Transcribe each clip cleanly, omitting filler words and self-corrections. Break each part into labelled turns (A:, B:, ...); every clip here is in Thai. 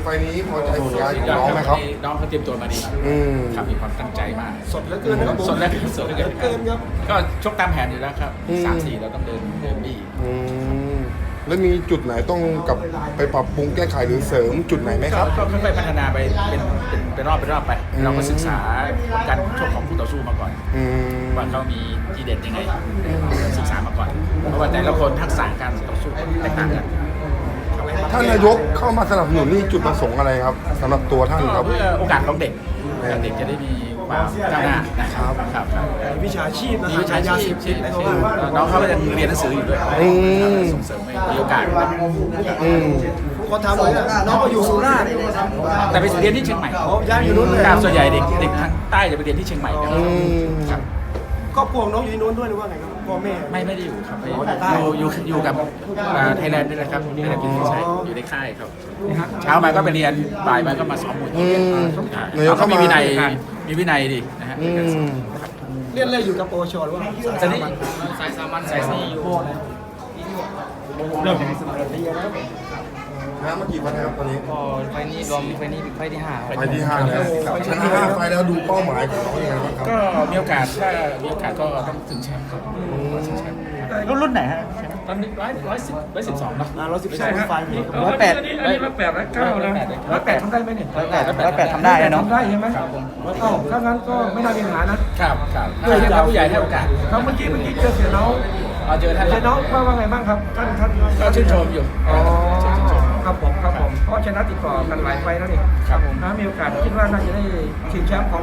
A: ไฟล์นี้พอใจผลงานของน้องไหมครับ
B: น้องเขาเตรียมตัวมาดีครับมีความตั้งใจมาก
C: สดเหลือเกินนะครับ
B: สดเหลือเกิน
C: ครับ
B: ก็ชกตามแผนอยู่แล้วครับ3-4เราต้องเดินบี้
A: แล้วมีจุดไหนต้องกับไปปรับปรุงแก้ไขหรือเสริมจุดไหนไหมครับ
B: ก็ค่อยๆพัฒนาไปเป็นรอบไปเราก็ศึกษาการชกของคู่ต่อสู้มาก่อนว่าเขามีทีเด็ดยังไงศึกษามาก่อนเพราะว่าแต่ละคนทักษะการต่อสู้แตกต่างกัน
A: ท่านนายกเข้ามาสนับสนุนนี่จุดประสงค์อะไรครับสำหรับตัวท่านครับ
B: เพื่อโอกาสของเด็กจะได้มีความก้าวหน้านะครับ
C: วิชาชีพนะ
B: วิชาชีพน้องเขายังเรียนหนังสืออยู่ด้วยส่งเสริมให้มีโอกาส
C: ก็ทำเลยน้องก็อยู่สุราษฎร์
B: แต่ไปเรียนที่เชียงใหม่
C: ย้ายอยู่นู้นเลย
B: ส่วนใหญ่เด็กทางใต้จะไปเรียนที่เชียงใหม่ครับ
C: ครอบครัวน้องอยู่ที่นู้นด้วยหรือว่าไงครับพ่อแม่
B: ไม่ได้อยู่ครับอยู่กับไทยแลนด์นี่แหละครับไทยแลนด์พิมพ์ชัยอยู่ในค่ายครับเช้ามาก็ไปเรียนบ่ายมาก็มาซ้อมมวยเขามีวินัยดีนะฮะ
C: เรียนเลยอยู่กับโปรชหรือว่า
B: สายสามัญสายซีอยู่
A: เริ่มจากสมัยเรียนแล้วเมื่อกี้วันนะครับตอนนี้
D: ไฟนี้รวมไฟนี้ไฟที่5
A: ไฟที่5แล้วชนะ5ไฟแล้วดูเป้าหมายของเขายังไงบ้างครับ
B: ก็มีโอกาสถ้ามีโอกาสก็ต้องถึงแชมป์ครับรุ่นไหนฮะตอนนี้112นะ
C: 112ไฟ
D: 108
C: 108แล้ว108ทำได้ไหมเนี่ย
D: 108ทำได้เนาะ
C: ทำได้ใช่ไหมถ้างั้นก็ไม่น่ามีปัญหานะครับ
B: ถ้าผู้ใหญ่ให้โอกาส
C: ครับเมื่อกี้เจอเสียน้อง
B: เจอท่าน
C: น้องว่าไงบ้างครับท่าน
B: ก็ชื่นชมอยู่
C: ครับผมเพราะชนะติดต่อกันหลายไฟแล้วนี่
B: ครับผม
C: มีโอกาสคิดว่าน่าจะได้ชิงแชมป์ของ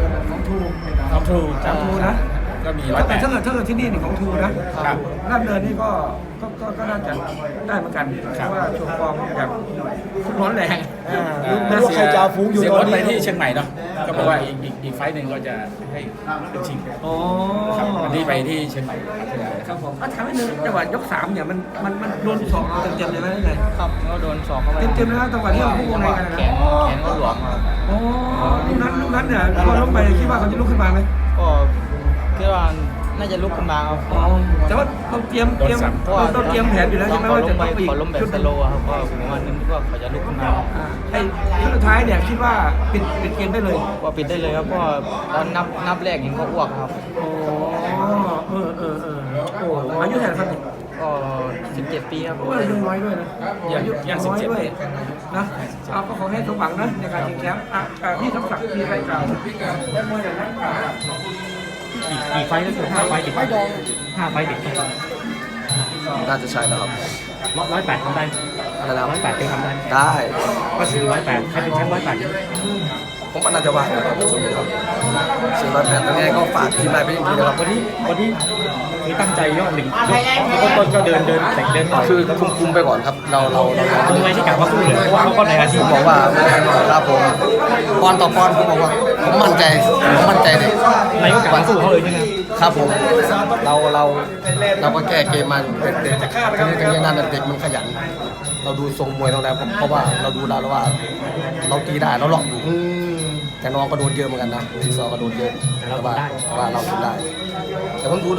C: ทูนะ
B: ก็มี
C: แต่ถ้าเกิดที่นี่นี่ของทูนะราชดำเนินนี่ก็น่าจะได้เหมือนกันเพราะว่าโชว์ฟอร์มแบบร้อนแรง
B: ไม่รู้ใครจะฟุ้งอยู่ตอนนี้ไปที่เชียงใหม่เนาะก็บอกว่าอีกไฟหนึ่งก็จะให้เป็นชิงวันนี้ไปที่เชียงใหม่
C: ครับผมทำให้นึงจังหวะยก3เนี่ยมันโดนสองเต็มเลยไหมไง
D: ครับก็โดนสองเข้าไป
C: เต็มนะจังหวะที่เราพุ่งในกันนะ
D: แขนก็หลวม
C: อ๋อลูกนั้นเนี่ยพอล้มไปคิดว่าเขาจะลุกขึ้นมาไหม
D: ก็คิดว่าน่าจะลุกขึ้นมาครับ
C: แต่ว่าต้องเตรียมแผนอยู่แล้วใช่ไหมว่าจะต้อง
D: ล้มแบบสโลว์ครับก็ผมว่านึกว่าเขาจะลุกขึ้นมา
C: ไอ้สุดท้ายเนี่ยคิดว่าปิดเกมได้เลย
D: ว่าปิดได้เลยครับเพราะตอนนับแรกเห็นก็อ้วกครับ
C: โอายุเท่าไหร่ครับ
D: ก็17 ปีครับ
C: ก็อายุน้อยด้วยนะ
B: อายุยัง17ด้วย
C: นะเอาก็ขอให้สมหวังนะในการชิงแชมป์พี่สมศักดิ์มีอะไรกล่าวได้มวยอย่างนั้น
D: กี่ไฟแล้ว5 ไฟติด5 ไฟติด
E: น่าจะใช่แล้วครับ
D: 108ทำได้
E: อะไรนะ
D: 108เคยทำได้
E: ได้
D: ก็ถือ108ใครเป็นแชมป์108
E: ผมก็น่าจะว่านะครับส่วน108ยังไงก็ฝากทีมนายไปอีกทีนะครับ
D: วันนี้มีตั้งใจยอด1ต้นก็เดินแต่เดิน
E: คือคุมไปก่อนครับเรา
D: ไม่ใช่กะว่าสู้เลยเพราะว่าเขาก็ในอาชีพ
E: บอกว่าครับผมปอนต่อปอนผมบอกว่าผมมั่นใจเลย
D: ในโอกาสสู้เขาเลยใช่ไหม
E: ครับผมเราก็แก้เกมมันเด็กๆนี่นั่นเด็กมันขยันเราดูทรงมวยเราแล้วเพราะว่าเราดูแล้วว่าเราตีได้เราหลอกอยู่แต่น้องก็โดนเยอะเหมือนกันนะที่ซอก็โดนเยอะแต่ว่าเราทำได้แต่ผมดู